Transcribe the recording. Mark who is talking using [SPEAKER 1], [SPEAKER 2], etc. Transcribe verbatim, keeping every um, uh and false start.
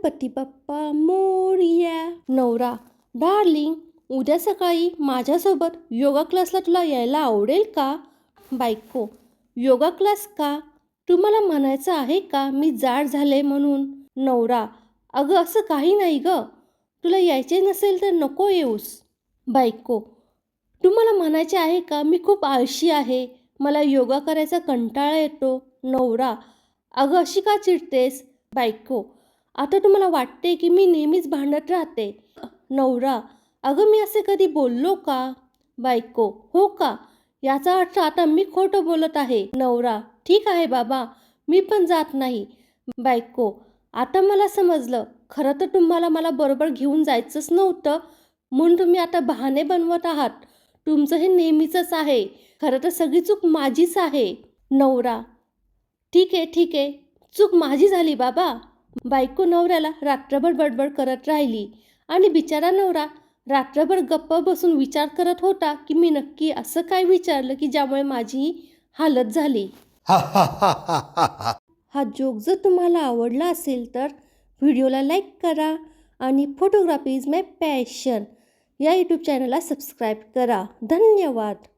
[SPEAKER 1] गणपती बाप्पा मोरया. नवरा: डार्लिंग, उद्या सकाळी माझ्यासोबत योगा क्लासला तुला यायला आवडेल का? बायको: योगा क्लास का? तुम्हाला म्हणायचं आहे का मी जाड झाले म्हणून? नवरा: अगं असं काही नाही ग, तुला यायचे नसेल तर नको येऊस. बायको: तुम्हाला म्हणायचे आहे का मी खूप आळशी आहे, मला योगा करायचा कंटाळा येतो. नवरा: अगं अशी का चिडतेस? बायको: आता तुम्हाला वाटते की मी नेहमीच भांडत राहते. नवरा: अगं मी असे कधी बोललो का? बायको: हो का? याचा अर्थ आता मी खोटं बोलत आहे. नवरा: ठीक आहे बाबा, मी पण जात नाही. बायको: आता मला समजलं, खरं तर तुम्हाला मला बरोबर घेऊन जायचंच नव्हतं, म्हणून तुम्ही आता बहाणे बनवत आहात. तुमचं हे नेहमीचंच आहे. खरं तर सगळी चूक माझीच आहे. नवरा: ठीक आहे ठीक आहे, चूक माझी झाली बाबा. बायको नवऱ्याला रात्रभर बडबड करत राहिली आणि बिचारा नवरा रात्रभर गप्प बसून विचार करत होता की मी नक्की असं काय विचारलं की ज्यामुळे माझी ही हालत झाली. हा जोक जर तुम्हाला आवडला असेल तर व्हिडिओला लाईक करा आणि फोटोग्राफी इज माय पॅशन या यूट्यूब चॅनलला सबस्क्राईब करा. धन्यवाद.